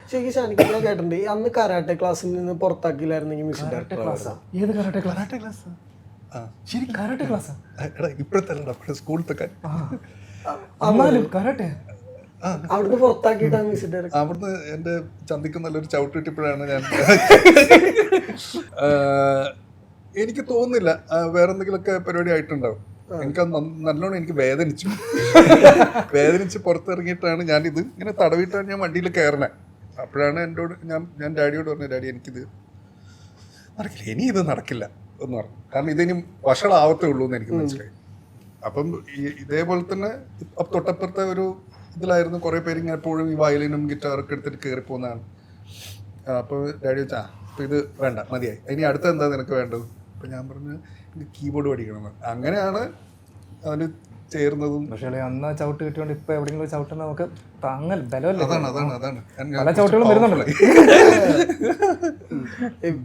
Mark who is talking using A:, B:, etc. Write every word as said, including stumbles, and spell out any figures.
A: ശരിക്കും ഷാനിക്ക് ഞാൻ കേട്ടിട്ടുണ്ട് ഈ അന്ന് കരാട്ടെ ക്ലാസ്സിൽ നിന്ന് പുറത്താക്കിയില്ലായിരുന്നെങ്കിൽ മ്യൂസിക് ഡയറക്ടർ
B: ഏത് കരാട്ടെ കരാട്ടെ ക്ലാസ് ശരി കരാട്ടെ ക്ലാസ്
C: ഇപ്പോഴത്തെ സ്കൂളത്തൊക്കെ
B: അന്നാലും കരാട്ടെ
A: അവിടുന്ന് പുറത്താക്കിയിട്ടാണ് മ്യൂസിക് ഡയറക്ടർ.
C: അവിടുന്ന് എൻ്റെ ചന്തിക്ക് നല്ലൊരു ചവിട്ട് കിട്ടിയപ്പോഴാണ് ഞാൻ എനിക്ക് തോന്നുന്നില്ല വേറെ എന്തെങ്കിലുമൊക്കെ പരിപാടി ആയിട്ടുണ്ടാവും. എനിക്ക് നല്ലോണം എനിക്ക് വേദനിച്ചു വേദനിച്ച് പുറത്തിറങ്ങിയിട്ടാണ് ഞാനിത് ഇങ്ങനെ തടവിയിട്ടാണ് ഞാൻ വണ്ടിയിൽ കയറണേ. അപ്പോഴാണ് എന്നോട് ഞാൻ ഞാൻ ഡാഡിയോട് പറഞ്ഞു, ഡാഡി എനിക്കിത് നടക്കില്ല, ഇനി ഇത് നടക്കില്ല എന്ന് പറഞ്ഞു. കാരണം ഇതിനി വഷളാവത്തേ ഉള്ളൂ എന്ന് എനിക്ക് മനസ്സിലായി. അപ്പം ഈ ഇതേപോലെ തന്നെ തൊട്ടപ്പുറത്തെ ഒരു ഇതിലായിരുന്നു കുറേ പേര് ഇങ്ങനെ എപ്പോഴും ഈ വയലിനും ഗിറ്റാറൊക്കെ എടുത്തിട്ട് കയറി പോകുന്നതാണ്. അപ്പോൾ ഡാഡി വെച്ചാൽ അപ്പോൾ ഇത് വേണ്ട, മതിയായി, ഇനി അടുത്ത എന്താ നിനക്ക് വേണ്ടത്? അപ്പം ഞാൻ പറഞ്ഞു എനിക്ക് കീബോർഡ് പഠിക്കണമെന്ന്. അങ്ങനെയാണ് അതിന് ചേർന്നതും.
B: പക്ഷേ അന്ന് ചവിട്ട് കിട്ടിയോണ്ട് ഇപ്പൊ എവിടെയെങ്കിലും ചവിട്ടുന്ന നമുക്ക് താങ്ങൽ ബലമല്ലേ.
C: അതാണ് അതാണ് അതാണ്
B: പല ചവിട്ടുകളും വരുന്നുണ്ടല്ലോ.